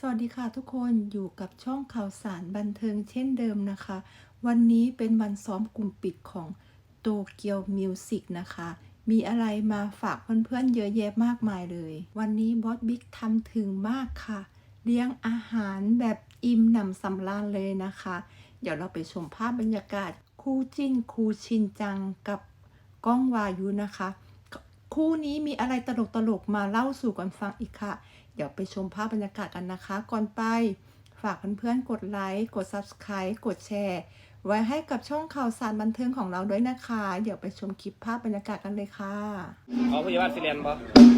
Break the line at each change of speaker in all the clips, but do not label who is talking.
สวัสดีค่ะทุกคนอยู่กับช่องข่าวสารบันเทิงเช่นเดิมนะคะ วันนี้เป็นวันซ้อมกลุ่มปิดของโตเกียวมิวสิกนะคะ มีอะไรมาฝากเพื่อนๆเยอะแยะมากมายเลย วันนี้บอสบิ๊กทำถึงมากค่ะ เลี้ยงอาหารแบบอิ่มหนำสำราญเลยนะคะ เดี๋ยวเราไปชมภาพบรรยากาศคู่จิ้นคู่ชินจังกับก้องวายุนะคะ คู่นี้มีอะไรตลกๆมาเล่าสู่กันฟังอีกค่ะ เดี๋ยวไปชมภาพบรรยากาศกันนะคะ ก่อนไปฝากเพื่อนๆกดไลค์ กด Subscribe กดแชร์ ไว้ให้กับช่องข่าวสารบันเทิงของเราด้วยนะคะ เดี๋ยวไปชมคลิปภาพบรรยากาศกันเลยค่ะ
เอาพยาบาลฟิเลนปะ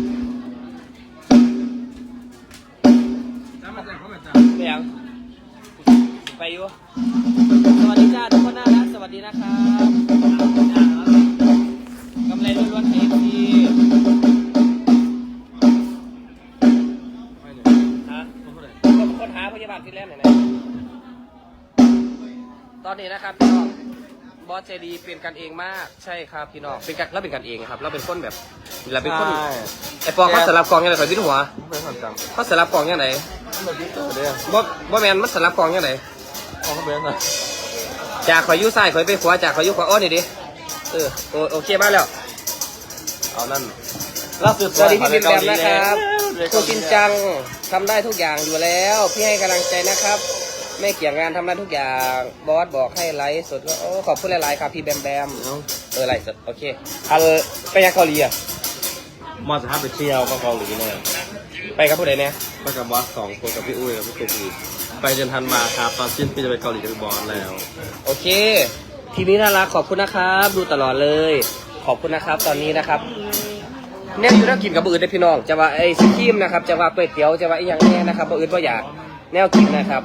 ไม่ยังไปอยู่สวัสดีจ้าทุกคนน่ารักสวัสดีนะครับกำไรล้วนๆเอฟซีฮะคนหาพยาบาลฟิเลนหน่อยนะตอนนี้นะครับพี่น้องบอสเจดีเป็นกันเองมากใช่ครับพี่น้องเป็นกันเราเป็นกันเองครับเราเป็นคนแบบเราเป็นคนไอปองเขาสลับกองยังไงคอยพิ้นหัวเขาสลับกองยังไงบ่แมนมันสลับกองยังไงจากคอยยุ่ซ้ายคอยไปขวาจากคอยยุ่ขวาอ้อนี่ดิโอเคมาแล้วเอานั่นสวัสดีพี่บินแบบนะครับครูจินจังทำได้ทุกอย่างอยู่แล้วพี่ให้กำลังใจนะครับไม่เกี่ยงงานทำได้ทุกอย่างบอสบอกให้ไลฟ์สดก็ขอบคุณหลายๆครับพี่แบมไลฟ์สดโอเคไปยังเกาหลีอ่ะ
มาจะพาไปเที่ยวก็เกาหลีเนี่ย
ไปกับผู้ใดเนี่ย
ไปกับบอส2 คนกับพี่อุ้ยกับพี่ตุ๊กอีกไปเดือนธันวาครับตอนสิ้นปีจะไปเกาหลีกับบอสแล้ว
โอเคทีนี้น่ารักขอบคุณนะครับดูตลอดเลยขอบคุณนะครับตอนนี้นะครับเนี่ยอยู่แล้วกินกับอื่นได้พี่น้องจะว่าไอ้ซิคิมนะครับจะว่าก๋วยเตี๋ยวจะว่าไอ้อย่างนี้นะครับอื่นก็อยากแนวกินนะครับ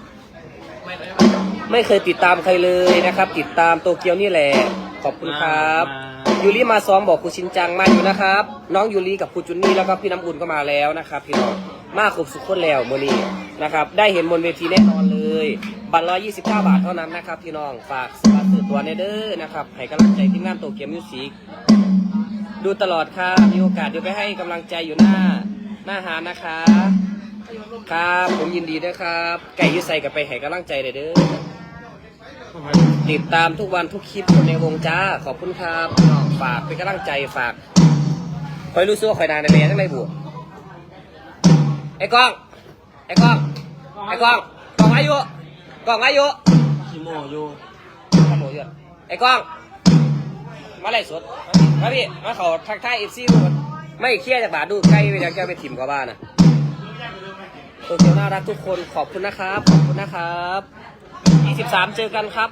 ไม่เคยติดตามใครเลยนะครับติดตามโตเกียวนี่แหละขอบคุณครับยูริมาซ้อมบอกครูชินจังมาอยู่นะครับน้องยูริกับครูจุนนี่แล้วก็พี่น้ำอุ่นก็มาแล้วนะครับพี่น้องมาครบสุดคนแล้วเมื่อนี้นะครับได้เห็นบนเวทีแน่นอนเลยบัตร129 บาทเท่านั้นนะครับพี่น้องฝากซื้อตัวเนเดอร์นะครับให้กำลังใจทีมงานโตเกียวมิวสิกดูตลอดครับมีโอกาสเดี๋ยวไปให้กำลังใจอยู่หน้าหานะคะครับผมยินดีด้วยครับไก่ยืดใส่กับไปให้กำลังใจเด้อติดตามทุกวันทุกคลิปคนในวงจ้าขอบคุณครับฝากเป็นกำลังใจฝากคอยรู้สึกว่าคอยนานในเรียนทั้งไรบุไอ้กล้องกล้องอายุ
ชิโมอยู่
ไอ้กล้องมาไล่สดมาพี่มาเขาทักทายเอฟซีดูไม่เครียดจากบาทดูใกล้ไปยังแกไปถิ่มกับบ้านนะโตเกียวน่ารักทุกคนขอบคุณนะครับขอบคุณนะครับ23เจอกันครับ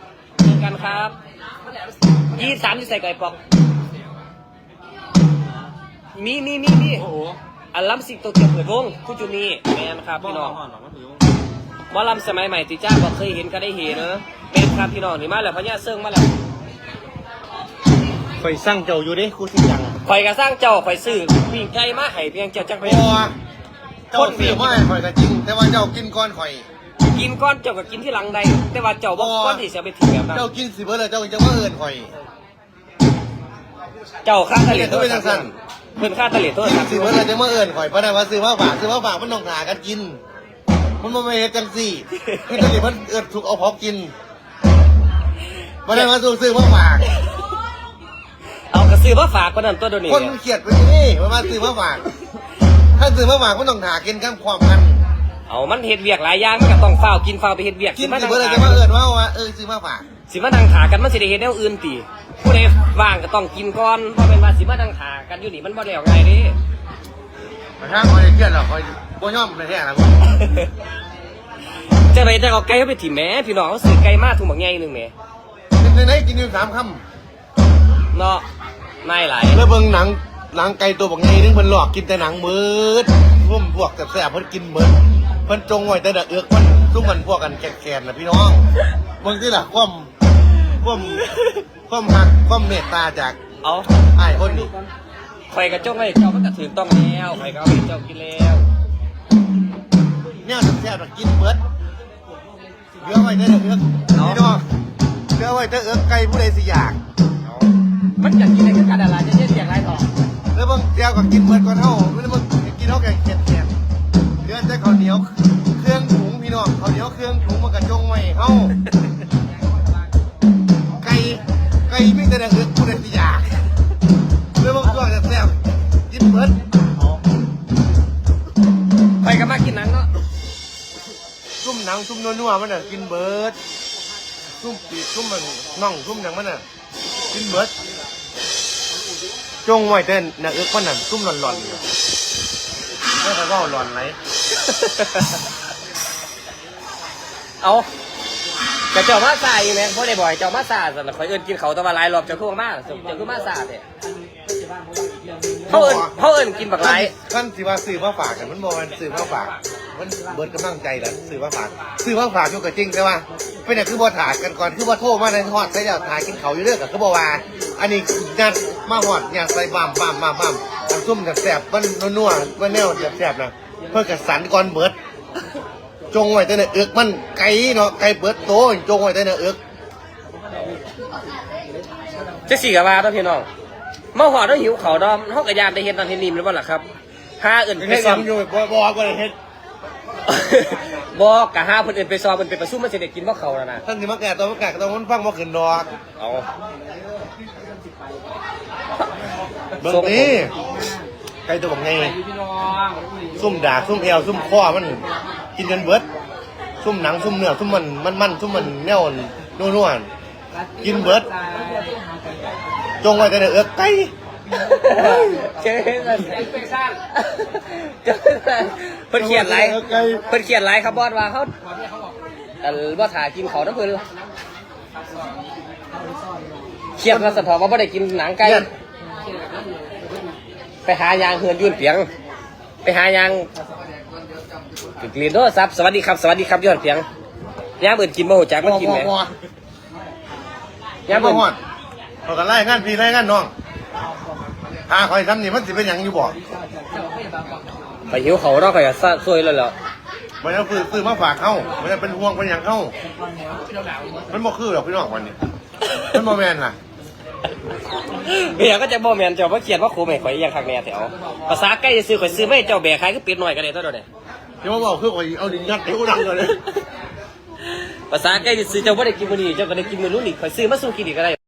23ที่ใส่ไก่ปอกมี
โอ้โห
อัลลัมสิงโตเกียวเปิดวงคู่จูนี่แมนครับพี่น้องหมอลำสมัยใหม่ติจ้าบอกเคยเห็นก็ได้เห็นเนอะเป็นครับพี่น้องนี่มาแล้วพญาเซิงมาแล้ว
คอยสร้างเจ้าอยู่ดิครูชินจัง
คอยกระสร้างเจ้าคอยซื้อวิ่งไก่มาให้เพียงเจ้าจังไป
เจ้าซื้อมาให้ข่อยก็จริงแต่ว่าเจ้ากินก้อนข่อย
กินก้อนเจ้าก็กินที่หลังใดแต่ว่าเจ้าบอกก้อนที่จะไปถิ่มแบบนั้น
เจ้ากินสิเบิดเลยเจ้าจะมาเอิ้นข่อย
เจ้าค่าทะเลโทษสั่นเพิ่นค่าทะเลโทษ
กินสิเบิดเลยจะมาเอิ้นข่อยเพราะนั้นว่าซื้อมาฝากมันต้องหากันกินมันบ่แม่นเฮ็ดจังซี่คือตอนนี้มันเอิ้นถูกเอาพอกินบ่ได้มาซื้อมาฝาก
เอากระซื้อมาฝากคนนั้นตัวเดียวนี้
คนเขียดไปนี่มันมาซื้อมาฝากถ้าซื้อมาฝากมันต้องหากินกันความกัน
เอามันเฮ็ดเวียกหลายอย่างมันก็ต้องเฝ้ากินเฝ้าไปเฮ็ดเวียก
กินสิเบิดเลยจะมาเอิ้นว่าซื้อมาฝาก
สิมานั่งถากันมันสิได้เฮ็ดแนวอื่นติผู้ใดว่างก็ต้องกินก่อนเพราะเป็นว่าสิมานั่งถากันอยู่นี่มันบ่แล้วไงดิ
ถ้าข่อยเครียดหรอกข่อยบ่ยอมแท้ๆล่ะ
จะไปจะเอาไก่ไปถิ่มแหมพี่น้องเขาซื้อไก่มาถุงบักใหญ่นึงแหม
ไหนกินอยู่3 คำ
เนาะนายหลาย
แล้วเบิ่งหนังไก่ตัวบักใหญ่นึงเพิ่นหลอกกินแต่หนังมืดร่วมพวกแซ่บๆเพิ่นกินเหมือนเพิ่นจงไว้แต่เอือกมันซุ่มมันพวกกันแก่ๆน่ะพี่น้องเบิ่งสิล่ะความหักความเมตตาจาก
เอา
อ้ายคนนี้
ข่อยกระจงให้เจ้ามันก็ถูกต้องแล้วข่อยก็เอาให้เจ้ากินแล้ว
แนวแซ่บๆกินเบิดเหลือไว้แต่เอือกพี่น้องเหลือไว้แต่เอือกไก่ผู้ใดสิอยาก
มันอยากกินอะไรก็กันอะไรจะเย็นอย่างไรต่อ
แล้วบางเดียวก็กินเบิดก่อนเท่าแล้วบางกินเท่าแก่เข็ดเหลือแต่ข้าวเหนียวคน้องเขาวเหนียวเครื่องถุงมันกระจงไว้เฮาไก่มีแต่เอือกผู้ใดสิอยากเลยบางช่วงแซ่บๆกินเบิด
ไปกันมากินหนังเนาะ
ซุ่มหนังซุ่มนัวๆมันน่ะกินเบิดซุ่มปีกซุ่มมันน่องซุ่มหนังมันน่ะกินเบิดจงไว้เต้นน่ะเอือกมันน่ะซุ่มหลอนๆอยู่ไม่ใช่ว่าหลอนไหน
เอาแต่เจ้ามาซาอยู่ไหมเพราะได้บ่อยเจ้ามาซาสันคอยเอิ้นกินเขาแตะวันหลายรอบเจ้าคือมาเจ้าคือมาซาเนี่ยเขาเอิ้นกินบักหลาย
ขั้นสิว่าซื้อมาฝากกันมันบอกมันซื้อมาฝากมันเบิดกำลังใจแหละซื้อมาฝากอยู่กับจริงใช่ป่ะเป็นอย่างคือบ่ถ่ายกันก่อนคือบ่โทรมาในฮอดใส่แล้วถ่ายกินเขาอยู่เรื่อยกับคือบ่ว่าอันนี้ยัดมาฮอดยัดใส่บ้ามน้ำซุ่มแซ่บๆมันนัวๆมันแนวแซ่บๆนะเพื่อกระสันก่อนเบิดจงไว้แต่ในเอือกมันไก่เนาะไก่เบิดโตจงไว้แต่ในเอือก
จะสี่กับว่าต้องพี่น้องมาหอดต้องหิวเขาดอมห้องกระยานได้เห็นตอนที่นิ่มหรือเปล่าล่ะครับห้าเอิญไป
เฮ็ด
ซ้อม
อยู่บ่ได้เฮ็ด
บอกกะห้าเพิ่นเอิญไปซ้อมเพิ่นไปประชุมมันสิได้กินบ่เขาแล้วนะ
ท่านสิมาแก่ตัวมันฟังบ่ขึ้นดอก
เอา
เบิ่งนี่ไก่ตัวบักไงซุ่มดากซุ่มเอวซุ่มคอมันกินจนเบิดซุ่มหนังซุ่มเนื้อซุ่มมันซุ่มมันแนวนัวๆกินเบิดจงไว้แต่ในเอือกไก่
เจ๊นั่นเพิ่นเขียนไรเพิ่นเขียนไรครับบอสว่าเขาว่าถ่ายกินเขาน้ำเพิ่นเครียดมาสะท้อนว่าไม่ได้กินหนังไก่ไปหายางเฮือนยุ่นเปียงไปหายางกลิ่นโทรศัพท์สวัสดีครับย้อนเปียงย่างเบิดกินบ่หูจักมันกินไหมย่าง
บ่
เบิด
ฮอดเขาก็ไล่งานพี่ไล่งานน้องหาคอยทำนี่มันสิเป็นหยังอยู่บ่
ไปหิวเขาเนาะก็อย่าซวยเลยเหรอ
มันจะซื้อมาฝากเขามันจะเป็นห่วงเป็นหยังเขามันบ่คือหรอกพี่น้องวันนี้มันบ่แม่นล่ะ
เบียก็จะบ่แม่นเจ้าว่าเขียนว่าโคไม่ข่อยยังคักแน่แถวภาษาใกล้จะซื้อข่อยซื้อไม่เจ้าแบกขายก็เปลี่ยนหน่อยกันเลยเท่านั้น
ที่ว่าบอกคือข่อยเอาดินยัดให้กูดังเลย
ภาษาใกล้จะซื้อเจ้าบ่ได้กินมื้อนี้เจ้าก็ได้กินมื้อนู้นอีกข่อยซื้อมาสู้กินอีกก็ได้